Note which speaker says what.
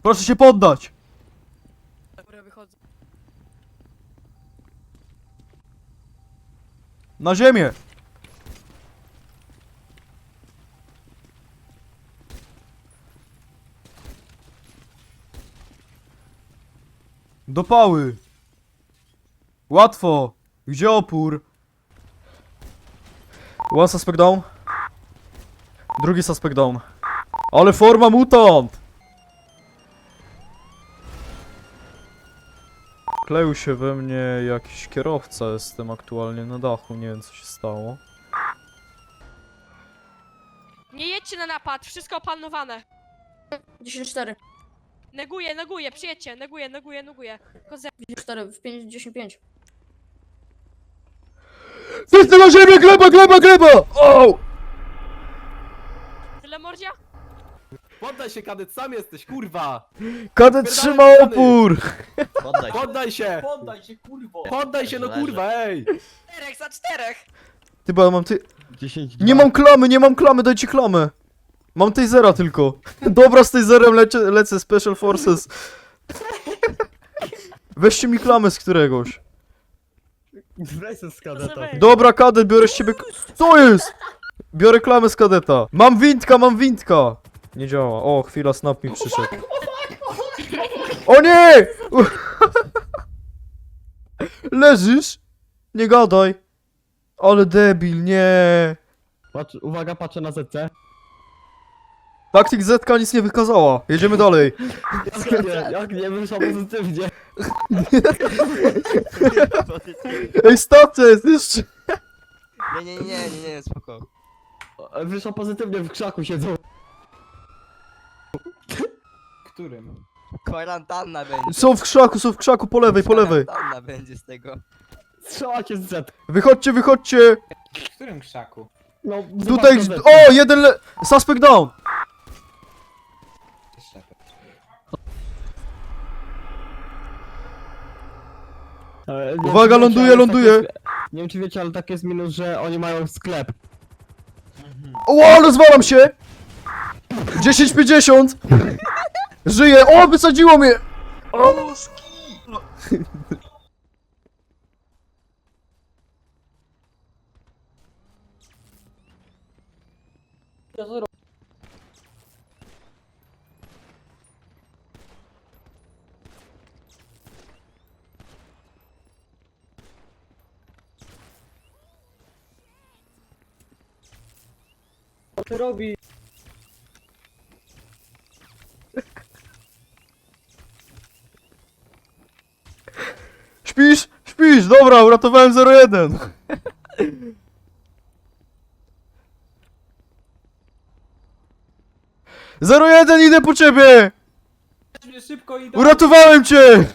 Speaker 1: Proszę się poddać!
Speaker 2: Dobra, wychodzę.
Speaker 1: Na ziemię! Do pały! Łatwo! Gdzie opór? One suspect down. Drugi suspect down. Ale forma mutant! Kleił się we mnie jakiś kierowca, jestem aktualnie na dachu, nie wiem co się stało.
Speaker 2: Nie jedźcie na napad, wszystko opanowane.
Speaker 3: 10-4.
Speaker 2: Neguję, przyjedźcie, neguję. Koze...
Speaker 3: 4 w 5-10-5.
Speaker 1: Wszyscy na ziemię! Gleba! O!
Speaker 2: Tyle mordzia?
Speaker 4: Poddaj się, kadet, sam jesteś, kurwa!
Speaker 1: Kadet trzyma opór!
Speaker 5: Poddaj się.
Speaker 4: Poddaj się!
Speaker 6: Poddaj się, kurwo!
Speaker 4: Poddaj się, no
Speaker 5: Leży.
Speaker 4: kurwa, ej!
Speaker 2: 4 za 4!
Speaker 1: Ty, bo ja mam ty...
Speaker 5: 10,
Speaker 1: Nie mam klamy, dajcie klamę! Mam tasera tylko. Dobra, z taserem lecę Special Forces. Weźcie mi klamę z któregoś.
Speaker 5: Wracaj z kadeta.
Speaker 1: Dobra, kadet, biorę z ciebie... Co jest? Biorę klamę z kadeta. Mam windka! Nie działa. O, chwila, snap mi przyszedł. O nie! Leżysz? Nie gadaj. Ale debil, nie.
Speaker 5: Patrz, uwaga, patrzę na ZC.
Speaker 1: Taktik Zetka nic nie wykazała. Jedziemy dalej.
Speaker 5: Jak nie wyszło pozytywnie.
Speaker 1: Ej, stacja jest jeszcze.
Speaker 5: Nie, spoko. Wyszło pozytywnie, w krzaku siedzą.
Speaker 6: Którym?
Speaker 7: Kwarantanna będzie.
Speaker 1: Są w krzaku, po lewej.
Speaker 7: Kwarantanna będzie z tego.
Speaker 5: Strzelacie z Z.
Speaker 1: Wychodźcie.
Speaker 6: W którym krzaku?
Speaker 5: No,
Speaker 1: Tutaj,
Speaker 5: zobacz na Z.
Speaker 1: o, jeden suspect down.
Speaker 5: Nie
Speaker 1: Uwaga,
Speaker 5: wiem, czy wiecie,
Speaker 1: ląduje.
Speaker 5: ale tak jest- Nie wiem czy wiecie, ale tak jest minus, że oni mają sklep.
Speaker 1: O, rozwalam się. 10,50. Żyję, o, wysadziło mnie. O.
Speaker 5: Co robi?
Speaker 1: Śpisz, dobra, uratowałem 01. Zero jeden, idę po ciebie!
Speaker 6: Szybko idę!
Speaker 1: Uratowałem cię!